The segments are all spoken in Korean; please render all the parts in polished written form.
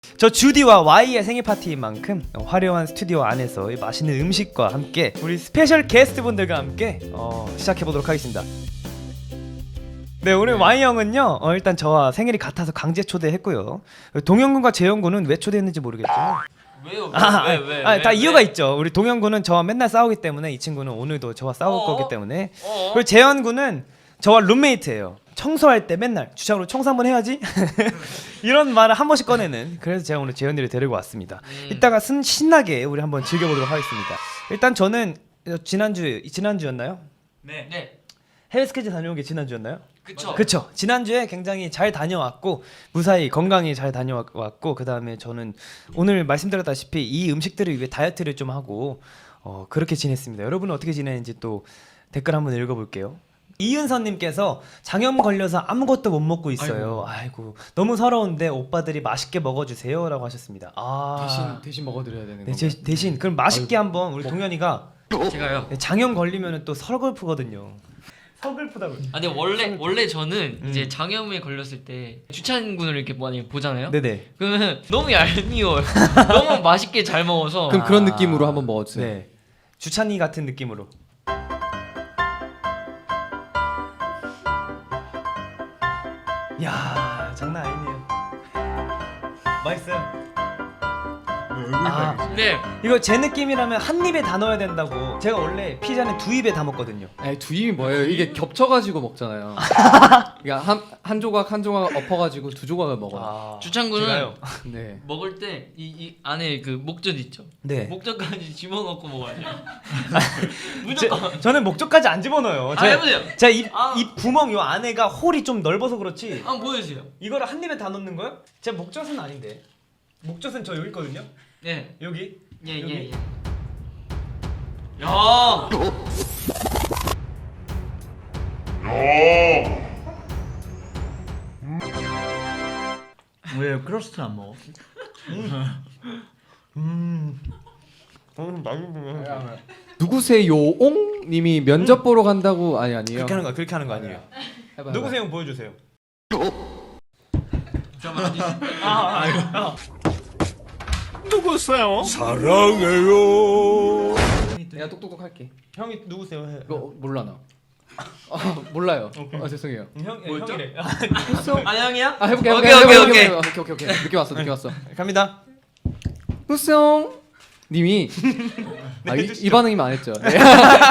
저 주디와 Y의 생일 파티인 만큼 화려한 스튜디오 안에서 맛있는 음식과 함께 우리 스페셜 게스트분들과 함께 시작해보도록 하겠습니다. 네, 오늘 Y 형은요 일단 저와 생일이 같아서 강제 초대했고요. 동현군과 재현군은 왜 초대했는지 모르겠지만 왜요? 왜? 다 이유가 있죠. 우리 동현군은 저와 맨날 싸우기 때문에 이 친구는 오늘도 저와 싸울 거기 때문에. 그리고 재현군은 저와 룸메이트예요. 청소할 때 맨날 주차로 청소 한번 해야지 이런 말을 한 번씩 꺼내는. 그래서 제가 오늘 재현이를 데리고 왔습니다. 이따가 신나게 우리 한번 즐겨보도록 하겠습니다. 일단 저는 지난주였나요? 네. 해외 스케줄 다녀온 게 지난주였나요? 그쵸. 지난주에 굉장히 잘 다녀왔고 무사히 건강히 잘 다녀왔고, 그 다음에 저는 오늘 말씀드렸다시피 이 음식들을 위해 다이어트를 좀 하고 그렇게 지냈습니다. 여러분은 어떻게 지내는지 또 댓글 한번 읽어볼게요. 이은선님께서 장염 걸려서 아무것도 못 먹고 있어요. 아이고 너무 서러운데 오빠들이 맛있게 먹어주세요 라고 하셨습니다. 대신 먹어드려야 되는 네, 건가요? 대신 그럼 맛있게 한번 우리 동현이가 제가요. 장염 걸리면 또 서글프거든요. 서글프다고. 근데 원래 저는 이제 장염에 걸렸을 때 주찬군을 이렇게 많이 보잖아요. 네네. 그러면 너무 얄미워요. 너무 맛있게 잘 먹어서. 그럼 그런 느낌으로 한번 먹어주세요. 네. 주찬이 같은 느낌으로. 야, 장난 아니네요. 맛있어요. 네. 이거 제 느낌이라면 한 입에 다 넣어야 된다고. 제가 원래 피자는 두 입에 다 먹거든요. 아니 두 입이 뭐예요? 이게 겹쳐가지고 먹잖아요. 그러니까 한 조각 엎어가지고 두 조각을 먹어요. 주찬군은 제가요. 네. 먹을 때 이 안에 그 목젖 있죠. 네. 목젖까지 집어넣고 먹어야 돼요. 무조건. 저는 목젖까지 안 집어넣어요. 해보세요. 제 입 구멍 요 안에가 홀이 좀 넓어서 그렇지. 한번 보여주세요. 이거를 한 입에 다 넣는 거요? 제 목젖은 아닌데. 목젖은 저 여기 있거든요. 네. 여기. 예. 야. 왜 크러스트 안 먹어? 누구세요?옹 님이 면접 보러 간다고 아니에요? 그렇게 하는 거 아니에요. 해봐. 누구세요? 보여주세요. 누구세요? 사랑해요. 내가 똑똑똑 할게. 형이 누구세요? 해. 이거 몰라 나. 몰라요. 죄송해요. 뭐였죠? 형이래. 아 형이야? 해볼게. 오케이. 늦게 왔어. 갑니다. 누구세요? 님이 이 반응이면 안 했죠. 네.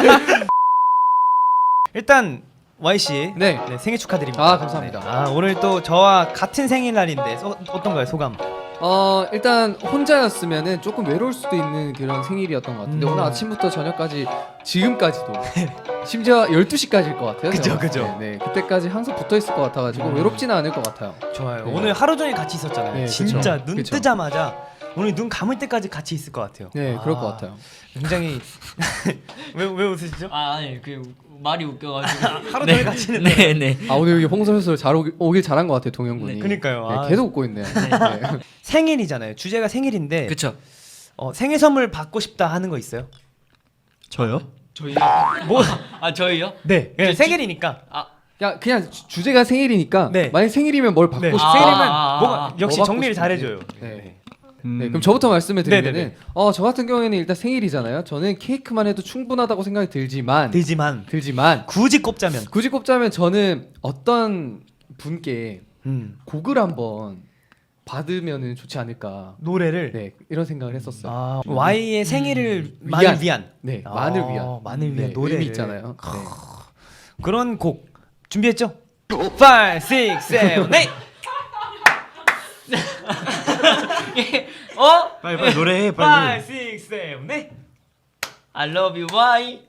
일단 Y 씨, 네. 생일 축하드립니다. 감사합니다. 오늘 또 저와 같은 생일날인데 어떤가요, 소감? 일단 혼자였으면은 조금 외로울 수도 있는 그런 생일이었던 것 같은데 오늘 아침부터 저녁까지 지금까지도 심지어 12시까지일 것 같아요. 그죠, 제가 그죠. 봤을 때. 네, 그때까지 항상 붙어 있을 것 같아가지고 외롭지는 않을 것 같아요. 좋아요. 네. 오늘 하루 종일 같이 있었잖아요. 네, 진짜 그쵸. 눈 그쵸. 뜨자마자 오늘 눈 감을 때까지 같이 있을 것 같아요. 네, 그럴 것 같아요. 굉장히 왜 웃으시죠? 아니 그 말이 웃겨가지고. 하루 종일 같이 있는데. 네. 오늘 여기 홍성철 오길 잘한 것 같아요, 동현 군이. 그니까요. 네, 계속 웃고 있네요. 네. 생일이잖아요. 주제가 생일인데. 그쵸. 생일 선물 받고 싶다 하는 거 있어요? 저요? 저희요? 뭐? 저희요? 네. 그냥 생일이니까. 그냥 주제가 생일이니까 네. 만약 생일이면 뭘 받고 네. 싶어요? 생일이면 아, 역시 뭐 받고 정리를 싶은지. 잘해줘요. 네. 네, 그럼 저부터 말씀을 드리면은 네네네. 저 같은 경우에는 일단 생일이잖아요. 저는 케이크만 해도 충분하다고 생각이 들지만 되지만 굳이 꼽자면. 굳이 꼽자면 저는 어떤 분께 곡을 한번 받으면은 좋지 않을까. 노래를. 네, 이런 생각을 했었어요. Y의 생일을 만을 위한. 네, 만을 위한. 만을 위한 네, 노래를. 의미 있잖아요. 네. 그런 곡 준비했죠? 5, 6, 7, 8. 빨리 노래해 5, 6, 7, 8. I love you, why?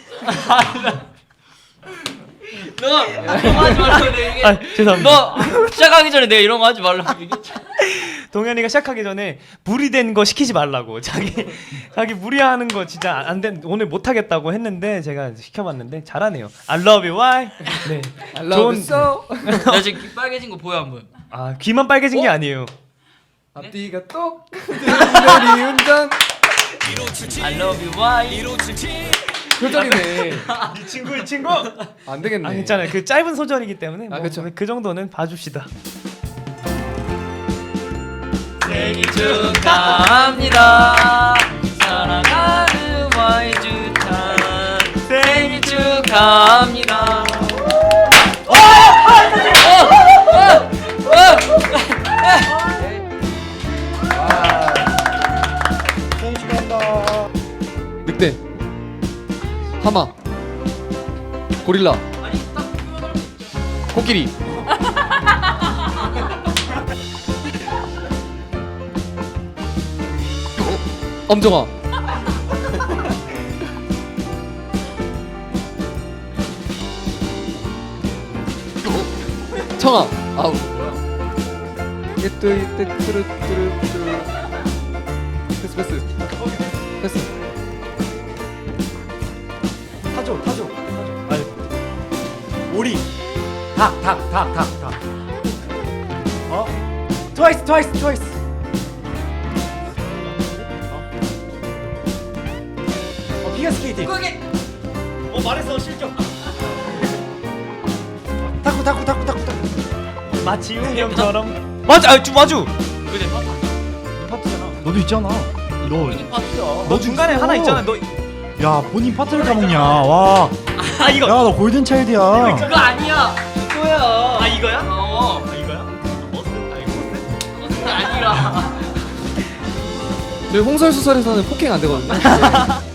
너 이런 거 하지 말라고 내가 얘기해. 죄송합니다. 너 시작하기 전에 내가 이런 거 하지 말라고 얘기했잖아. 동현이가 시작하기 전에 무리된 거 시키지 말라고. 자기 무리하는 거 진짜 안 된. 오늘 못 하겠다고 했는데 제가 시켜봤는데 잘하네요. I love you, why? 네. I love you so. 나 지금 귀 빨개진 거 보여 안 보여? 귀만 빨개진 게 아니에요. 앞뒤가 똑. 흔들이 운전. I love you, why? 표절이네. 이 친구. 안 되겠네. 괜찮아요. 그 짧은 소절이기 때문에 그쵸. 그 정도는 봐줍시다. 생일 축하합니다. 사랑하는 와이주찬 생일 축하합니다. 늑대, 하마, 고릴라, 코끼리. 엄정아. 청아. 아우. 이때 뚜루뚜루. 패스. 타조. 아니. 오리. 닭. 어? 트와이스. 피겨스케이팅. 말했어 실격. 타쿠. 마치 웅이 형처럼. 맞아, 마주. 그래 파트잖아. 너도 있잖아. 너 중간에 하나 있잖아. 너. 야 본인 파트를 까먹냐? 와. 아 이거. 야 너 골든 차일드야. 그거 아니야. 이거야. 아 이거야? 어. 아 이거야? 버스? 아 이거 버스? 그거 아니라. 저희 홍설수설에서는 폭행 안 되거든요.